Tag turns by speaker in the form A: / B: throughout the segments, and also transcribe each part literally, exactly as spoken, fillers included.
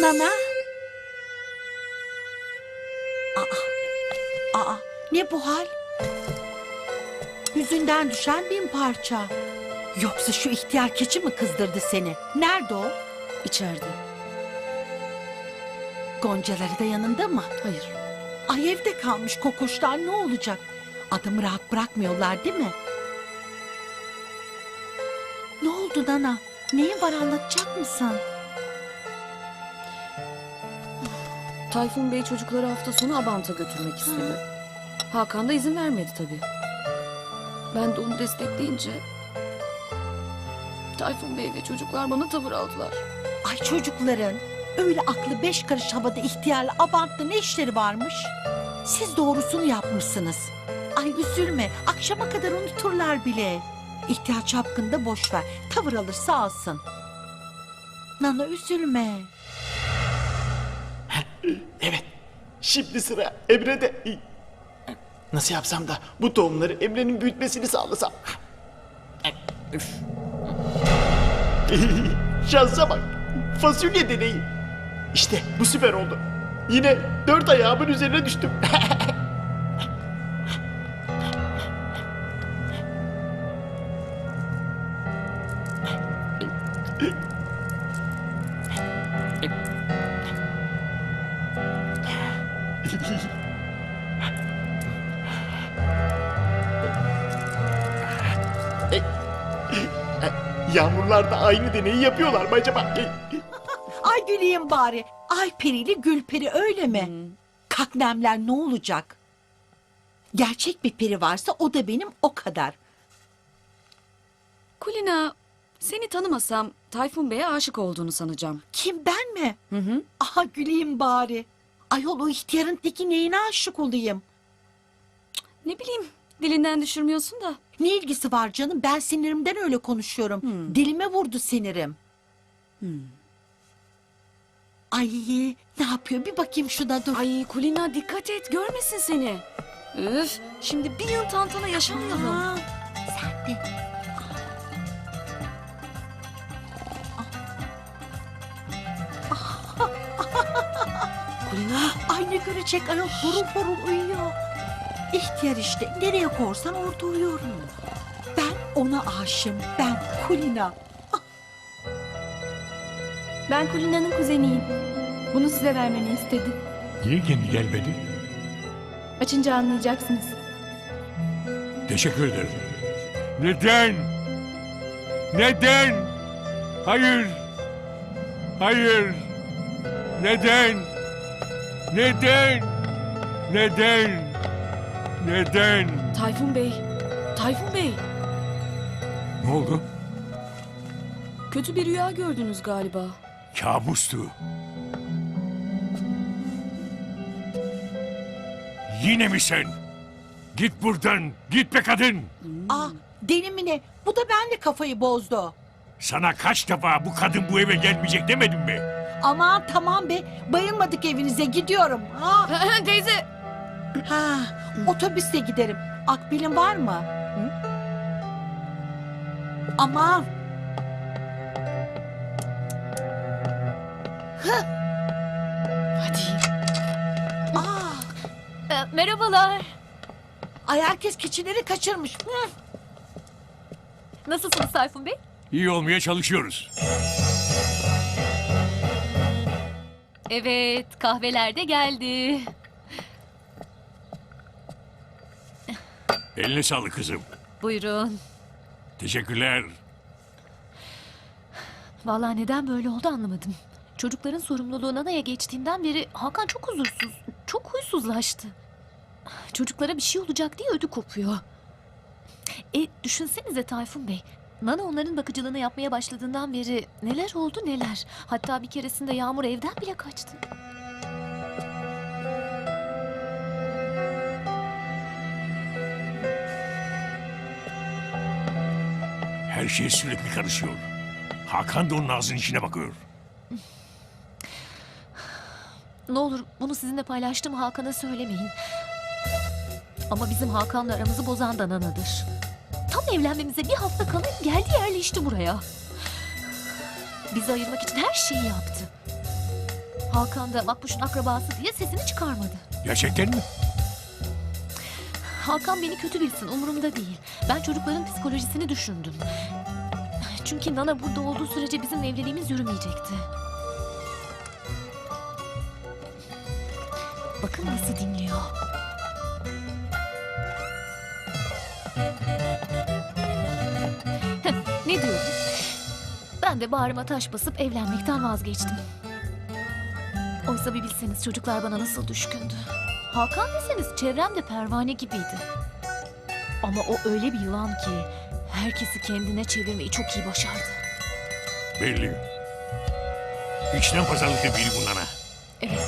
A: Nana. Aa, aa, ne bu hal? Yüzünden düşen bin parça. Yoksa şu ihtiyar keçi mi kızdırdı seni? Nerede o?
B: İçeride.
A: Goncaları da yanında mı?
B: Hayır.
A: Ay evde kalmış kokoşlar, ne olacak? Adamı rahat bırakmıyorlar değil mi? Ne oldu Nana? Neyin var, anlatacak mısın?
B: Tayfun Bey çocukları hafta sonu Abant'a götürmek istedi. Hakan da izin vermedi tabii. Ben de onu destekleyince... Tayfun Bey ve çocuklar bana tavır aldılar.
A: Ay çocukların öyle aklı beş karış havada ihtiyarla Abant'ta ne işleri varmış? Siz doğrusunu yapmışsınız. Ay üzülme, akşama kadar unuturlar bile. İhtiyar çapkını da boş ver, tavır alırsa alsın. Nana üzülme.
C: Evet. Şimdi sıra Emre'de. Nasıl yapsam da bu tohumları Emre'nin büyütmesini sağlasam. Üf. Şansa bak. Fasulye deneyi. İşte bu süper oldu. Yine dört ayağımın üzerine düştüm. Yağmurlar da aynı deneyi yapıyorlar mı acaba?
A: Ay güleyim bari. Ay perili gül peri, öyle mi? Kaknemler ne olacak? Gerçek bir peri varsa o da benim, o kadar.
B: Kulina, seni tanımasam Tayfun Bey'e aşık olduğunu sanacağım.
A: Kim, ben mi?
B: Hı hı.
A: Aha güleyim bari. Ayol o ihtiyarın teki, neyine aşık olayım?
B: Ne bileyim, dilinden düşürmüyorsun da.
A: Ne ilgisi var canım? Ben sinirimden öyle konuşuyorum.
B: Hmm.
A: Dilime vurdu sinirim.
B: Hmm.
A: Ay ne yapıyor? Bir bakayım şuna, dur.
B: Ay Kulina, dikkat et, görmesin seni. Üf, şimdi bir yıl tantana yaşamayalım.
A: Aa, sen de.
B: Kulina,
A: Ay ne görecek ayol, horul horul uyuyor. İhtiyar işte, nereye korsan orada uyuyorum. Ben ona aşığım, ben Kulina.
D: Ben Kulina'nın kuzeniyim. Bunu size vermemi istedi.
E: Niye kendi gelmedi?
D: Açınca anlayacaksınız.
E: Teşekkür ederim. Neden? Neden? Hayır. Hayır. Neden? Neden? Neden? Neden?
B: Tayfun Bey, Tayfun Bey.
E: Ne oldu?
B: Kötü bir rüya gördünüz galiba.
E: Kabustu. Yine mi sen? Git buradan. Git be kadın.
A: Aa, deli mi ne? Bu da benle kafayı bozdu.
E: Sana kaç defa bu kadın bu eve gelmeyecek demedim mi?
A: Aman tamam be, bayılmadık evinize, gidiyorum. Ha,
B: Teyze.
A: ha, otobüste giderim. Akbilin var mı? Hı? Aman.
B: Hadi.
A: Aa,
D: Ee, merhabalar.
A: ay herkes keçileri kaçırmış. Hı.
D: Nasılsınız Tayfun Bey?
E: İyi olmaya çalışıyoruz.
D: Evet, kahveler de geldi.
E: Eline sağlık kızım.
D: Buyurun.
E: Teşekkürler.
D: Vallahi neden böyle oldu anlamadım. Çocukların sorumluluğu Nana'ya geçtiğinden beri Hakan çok huzursuz, çok huysuzlaştı. Çocuklara bir şey olacak diye ödü kopuyor. E düşünsenize Tayfun Bey. Nana onların bakıcılığını yapmaya başladığından beri neler oldu neler. Hatta bir keresinde Yağmur evden bile kaçtı.
E: Her şey sürekli karışıyor. Hakan da onun ağzının içine bakıyor.
D: Ne olur bunu sizinle paylaştığım Hakan'a söylemeyin. Ama bizim Hakan'la aramızı bozan da Nana'dır. Tam evlenmemize bir hafta kala geldi yerleşti buraya. Bizi ayırmak için her şeyi yaptı. Hakan da Makbuş'un akrabası diye sesini çıkarmadı.
E: Gerçekten mi?
D: Hakan beni kötü bilsin, umurumda değil. Ben çocukların psikolojisini düşündüm. Çünkü Nana burada olduğu sürece bizim evliliğimiz yürümeyecekti. Bakın nasıl dinliyor. Heh, ne diyorum? Ben de bağrıma taş basıp evlenmekten vazgeçtim. Oysa bir bilseniz çocuklar bana nasıl düşkündü. Hakan deseniz çevremde pervane gibiydi. Ama o öyle bir yılan ki herkesi kendine çevirmeyi çok iyi başardı.
E: Belli. İçten pazarlıklı biri bunlara.
D: Evet.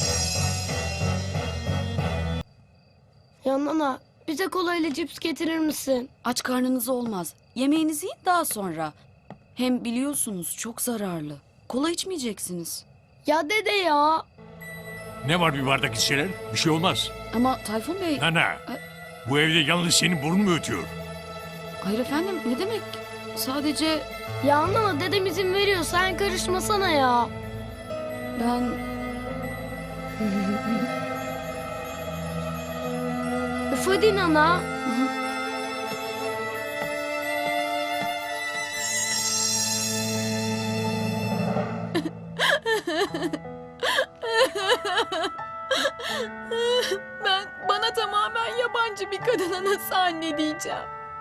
F: Ya Nana, bize kolayla cips getirir misin?
B: Aç karnınız olmaz. Yemeğinizi yiyin daha sonra. Hem biliyorsunuz çok zararlı. Kola içmeyeceksiniz.
F: Ya dede ya.
E: Ne var bir bardak içseler? Bir şey olmaz.
B: Ama Tayfun Bey...
E: Nana, bu evde yalnız senin burnun mu ötüyor?
B: Hayır efendim, ne demek? Sadece
F: Ya Nana, dedem izin veriyor, sen karışmasana ya.
B: ben...
F: Üf hadi Nana.
D: Ben bana tamamen yabancı bir kadına nasıl anne diyeceğim?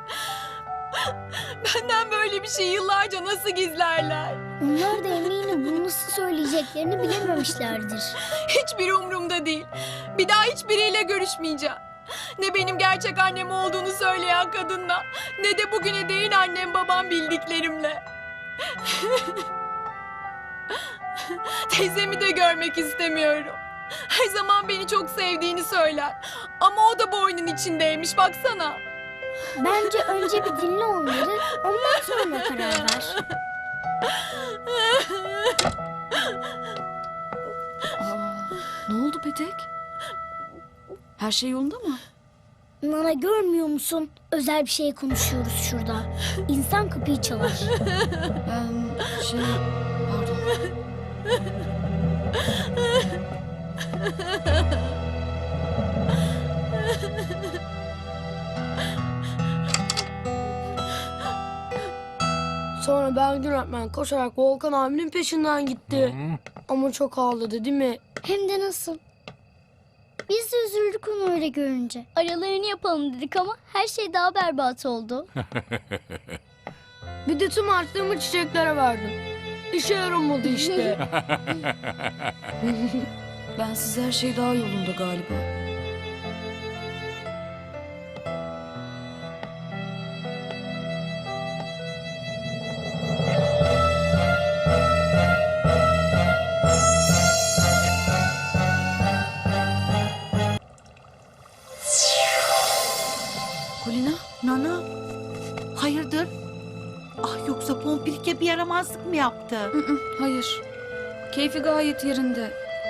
D: Benden böyle bir şey yıllarca nasıl gizlerler?
G: Onlar da eminim bunu nasıl söyleyeceklerini bilememişlerdir.
D: Hiçbir umurumda değil. Bir daha hiçbiriyle görüşmeyeceğim. Ne benim gerçek annem olduğunu söyleyen kadınla, ne de bugüne değin annem babam bildiklerimle. Teyzemi de görmek istemiyorum. Her zaman beni çok sevdiğini söyler. Ama o da bu oyunun içindeymiş, baksana.
G: Bence önce bir dinle onları, ondan sonra karar ver.
B: Aa, ne oldu Petek? Her şey yolunda mı?
G: Nana görmüyor musun? Özel bir şey konuşuyoruz şurada. İnsan kapıyı çalar.
B: Ben şey... Pardon.
F: Sonra Belgin öğretmen koşarak Volkan abinin peşinden gitti.
E: Hı?
F: Ama çok ağladı değil mi?
G: Hem de nasıl? Biz de üzüldük onu öyle görünce. Aralarını yapalım dedik ama her şey daha berbat oldu.
F: Bir de tüm harçlığımı çiçeklere verdim. İşe yaramadı işte.
B: Ben siz her şey daha yolunda galiba. Kulina?
A: Nana, hayırdır? Ah yoksa Pompirike bir yaramazlık mı yaptı?
B: Hı hı, hayır. Keyfi gayet yerinde.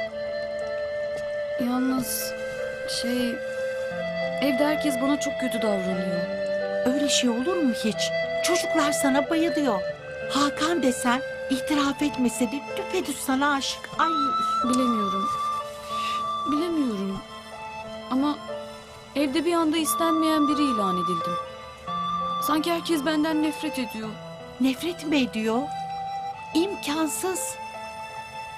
B: Yalnız şey... Evde herkes bana çok kötü davranıyor.
A: Öyle şey olur mu hiç? Çocuklar sana bayılıyor. Hakan desen itiraf etmese de düpedüz sana aşık. Ay
B: Bilemiyorum. Bilemiyorum. Ama evde bir anda istenmeyen biri ilan edildim. Sanki herkes benden nefret ediyor.
A: nefret mi ediyor? İmkansız.